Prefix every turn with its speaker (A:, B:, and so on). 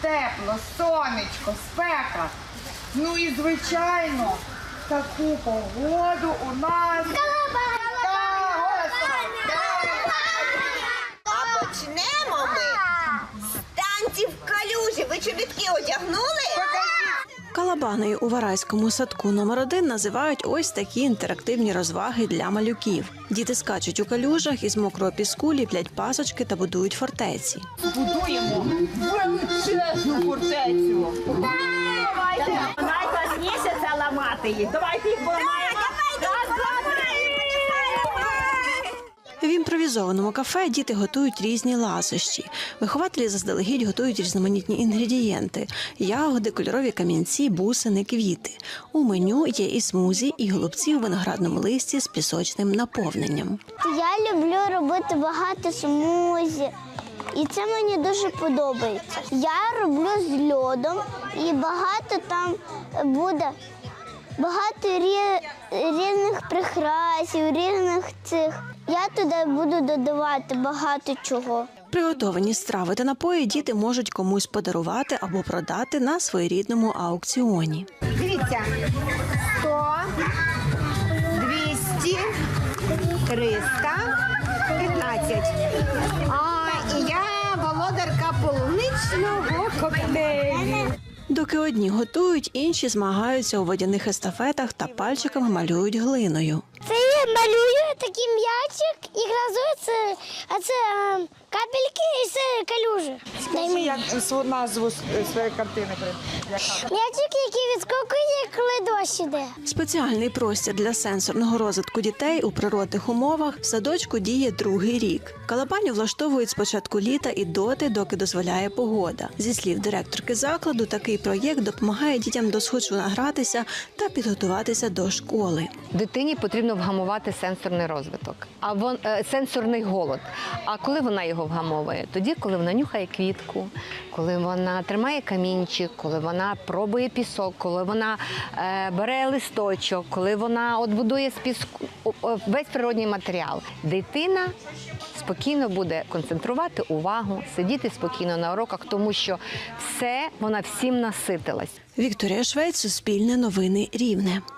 A: тепло, сонечко, спека. Ну і, звичайно, таку погоду у нас...
B: А почнемо ми з танців в калюжі. Ви чобітки одягнули?
C: Калабаною у Варайському садку номер 1 називають ось такі інтерактивні розваги для малюків. Діти скачуть у калюжах, із мокрого піску ліплять пасочки та будують фортеці.
A: Будуємо величезну фортецю.
D: Давайте. Найкласніше це ламати їх. Давайте їх поламаємо.
C: В імпровізованому кафе діти готують різні ласощі. Вихователі заздалегідь готують різноманітні інгредієнти – ягоди, кольорові камінці, бусини, квіти. У меню є і смузі, і голубці у виноградному листі з пісочним наповненням.
E: Я люблю робити багато смузі, і це мені дуже подобається. Я роблю з льодом, і багато там буде, багато різних прикрасів, різних цих. Я туди буду додавати багато чого.
C: Приготовані страви та напої діти можуть комусь подарувати або продати на своєрідному аукціоні.
B: Дивіться, 100, 200, 300, 15. І я володарка полуничного коктейлю.
C: Доки одні готують, інші змагаються у водяних естафетах та пальчиками малюють глиною.
E: Це я малюю такий м'ячик і гразується, а це капельки і це калюжі.
A: Скажи, як назву своєї картини.
E: М'ячик, який відскокує, коли дощ іде.
C: Спеціальний простір для сенсорного розвитку дітей у природних умовах в садочку діє другий рік. Калабаню влаштовують з початку літа і доти, доки дозволяє погода. Зі слів директорки закладу, такий проєкт допомагає дітям досхочу награтися та підготуватися до школи.
F: Дитині потрібно вгамувати сенсорний розвиток, сенсорний голод. А коли вона його вгамовує? Тоді, коли вона нюхає квітку, коли вона тримає камінчик, коли вона пробує пісок, коли вона бере листочок, коли вона будує з піску весь природній матеріал. Дитина спокійно буде концентрувати увагу, сидіти спокійно на уроках, тому що вона всім наситилась.
C: Вікторія Швець, Суспільне новини, Рівне.